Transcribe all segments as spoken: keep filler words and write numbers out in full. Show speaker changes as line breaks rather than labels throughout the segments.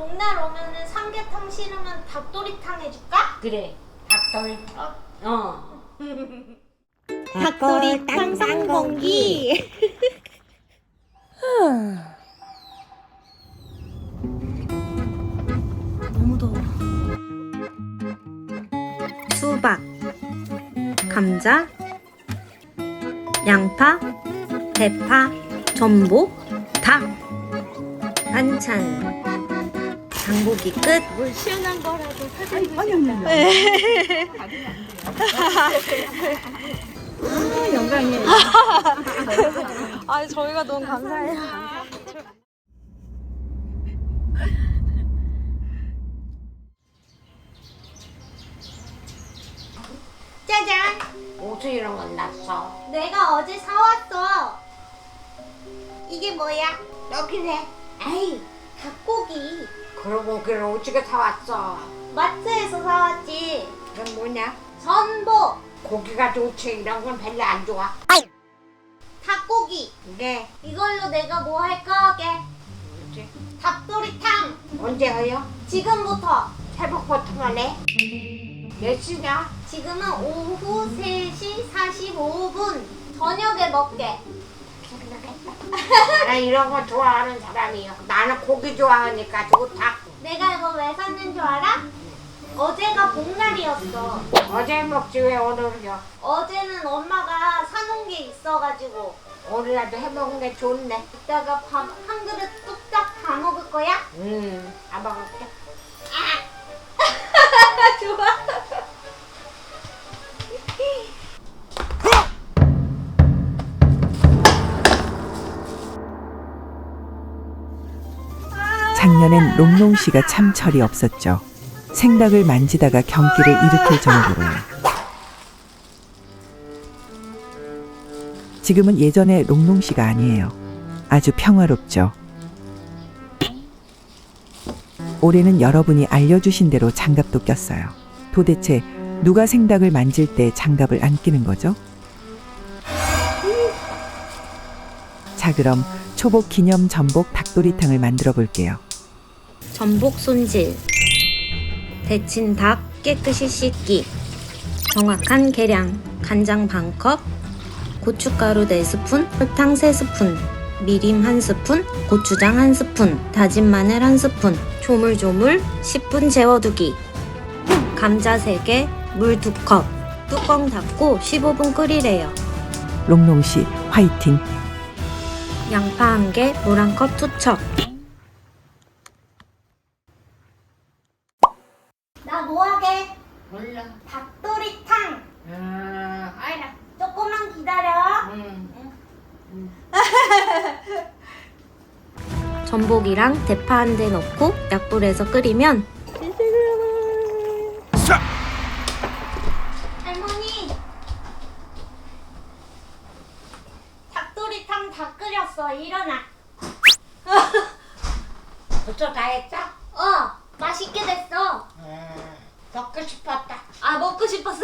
복날 오면은 삼계탕 싫으면 닭도리탕 해줄까?
그래. 닭돌.
어.
어.
닭도리탕 쌍공기. 너무 더워. 수박, 감자, 양파, 대파, 전복, 닭. 반찬. 장보기 끝.
뭘 시원한 거라도 사주고
아니 아니 아니. 아, 영광이에요.
아니 저희가 너무 감사해요. 짜잔!
옷을 이런 건 놨어.
내가 어제 사왔어. 이게 뭐야?
여기네.
에이, 닭고기.
그러고 그걸 어떻게 사왔어?
마트에서 사왔지.
그건 뭐냐?
전복,
고기가 좋지. 이런 건 별로 안 좋아.
닭고기.
네.
이걸로 내가 뭐 할 거게?
뭐지?
닭도리탕.
언제 해요?
지금부터.
새벽부터만 해? 몇 시냐?
지금은 오후 세 시 사십오 분. 저녁에 먹게.
나는 이런 거 좋아하는 사람이요. 나는 고기 좋아하니까 좋다.
내가 이거 왜 샀는 줄 알아? 어제가 복날이었어.
어제 먹지 왜 오늘요?
어제는 엄마가 사놓은 게 있어가지고
오늘이라도 해먹은 게 좋네.
이따가 밥 한 그릇 뚝딱 다 먹을 거야?
음, 안 먹을게.
좋아.
작년엔 롱롱 씨가 참 철이 없었죠. 생닭을 만지다가 경기를 일으킬 정도로요. 지금은 예전의 롱롱 씨가 아니에요. 아주 평화롭죠. 올해는 여러분이 알려주신 대로 장갑도 꼈어요. 도대체 누가 생닭을 만질 때 장갑을 안 끼는 거죠? 자, 그럼 초복 기념 전복 닭도리탕을 만들어 볼게요.
전복 손질, 데친 닭 깨끗이 씻기, 정확한 계량, 간장 반 컵, 고춧가루 네 스푼, 설탕 세 스푼, 미림 한 스푼, 고추장 한 스푼, 다진 마늘 한 스푼, 조물조물 십 분 재워두기, 감자 세 개, 물 두 컵, 뚜껑 닫고 십오 분 끓이래요.
롱롱 씨 화이팅!
양파 한 개, 물 한 컵 투척. 나 뭐하게?
몰라.
닭도리탕.
아, 알아.
조금만 기다려.
음.
전복이랑 대파 한 대 넣고 약불에서 끓이면 할머니 닭도리탕 다 끓였어. 일어나.
벌써 다 했어?
어, 맛있게 됐어.
음, 먹고 싶었다.
아, 먹고 싶었어.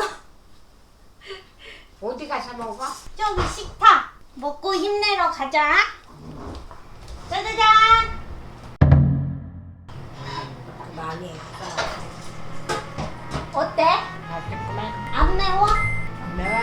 어디 가서 먹어?
저기 식탁 먹고 힘내러 가자. 짜자잔.
많이 했어.
어때?
맛있구만.
안 매워?
안 매워?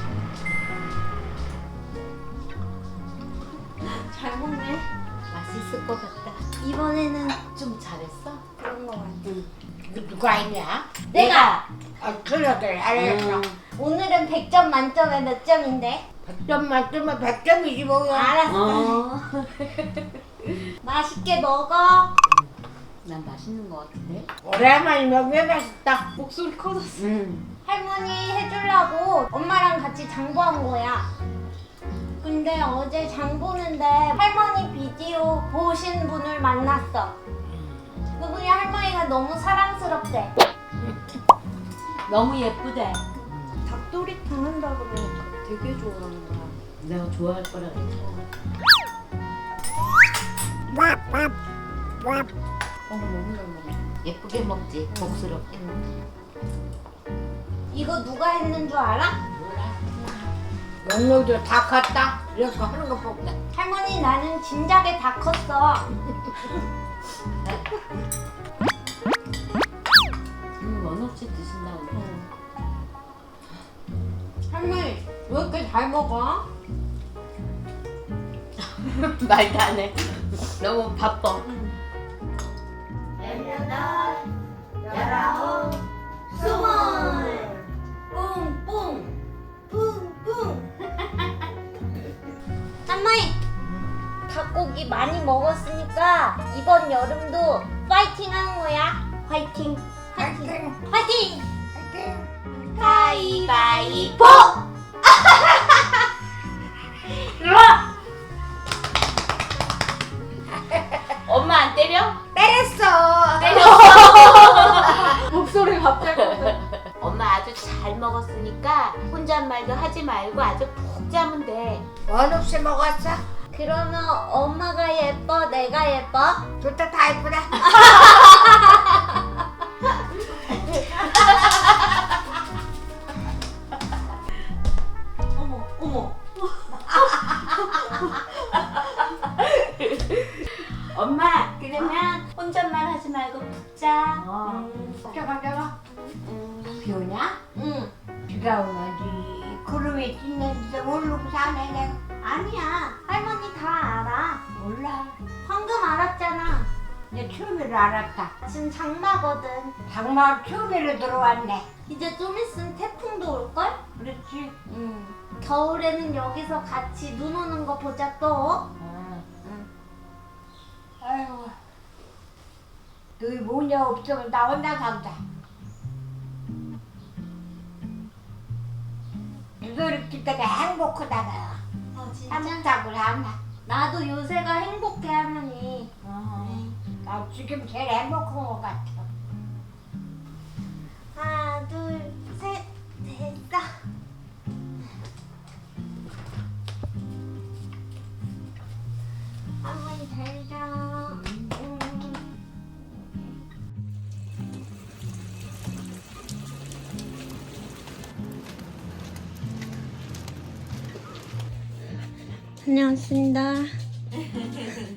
잘 먹네.
맛있을 것 같다.
이번에는
좀 잘했어?
그런 거 같아.
응. 이거 누가 했냐?
내가
아, 그래, 그래. 알았어.
오늘은 백 점 만점에 몇 점인데?
백 점 만점에 백 점이지 뭐야.
알았어. 맛있게 먹어.
난 맛있는 거 같은데?
오랜만에 먹으면 맛있다.
목소리 커졌어.
응.
할머니 해주려고 엄마랑 같이 장보한 거야. 근데 어제 장 보는데 할머니 비디오 보신 분을 만났어. 그분이 할머니가 너무 사랑스럽대.
너무 예쁘대.
닭도리탕 한다 그러니까 되게 좋아하는 거야.
내가 좋아할 거라 그랬어.
어, 너무 잘 먹어.
예쁘게 먹지, 복스럽게.
이거 누가 했는 줄 알아?
몰라. 영롱도 다 컸다. 이런 거 하는 거 보다.
할머니 나는 진작에 다 컸어.
말도 안 해. 너무 바빠.
열아홉, 스물, 뿡뿡, 뿡뿡. 땀마이, 닭고기 많이 먹었으니까 이번 여름도 파이팅 하는 거야. 화이팅, 화이팅, 화이팅. 가위바위보. 일어나.
엄마 안 때려?
때렸어.
목소리 갑자기.
엄마 아주 잘 먹었으니까 혼잣말도 하지 말고 아주 푹 자면 돼.
원 없이 먹었어?
그러면 엄마가 예뻐, 내가 예뻐?
둘 다 다 예쁘다.
어머, 어머.
엄마 그러면 혼잣말 하지 말고 푹 자.
어. 잠깐 잠깐.
음.
비 오냐?
응.
비가 오는지 구름이 찢는지 모르고 사네 내가.
아니야. 할머니 다 알아.
몰라.
방금 알았잖아.
이제 추위를 알았다.
지금 장마거든.
장마 추위로 들어왔네.
이제 좀 있으면 태풍도 올걸?
그렇지.
응. 겨울에는 여기서 같이 눈 오는 거 보자 또.
어. 아이고. 너희 모녀 없으면 나 혼자 산다. 이렇게 때가 행복하다가
어, 진짜?
깜짝을 하나.
나도 요새가 행복해, 할머니.
어. 나 지금 제일 행복한 것 같아.
하나, 둘, 셋, 됐다. 할머니 잘 자. 음. 다녀왔습니다.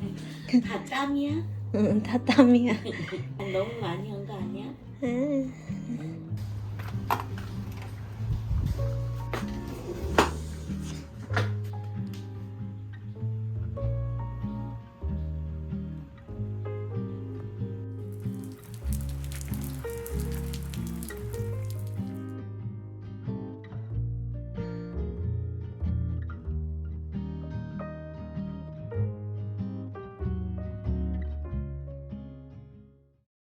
다 땀이야?
응, 다 땀이야.
너무 많이 한 거 아니야?
응.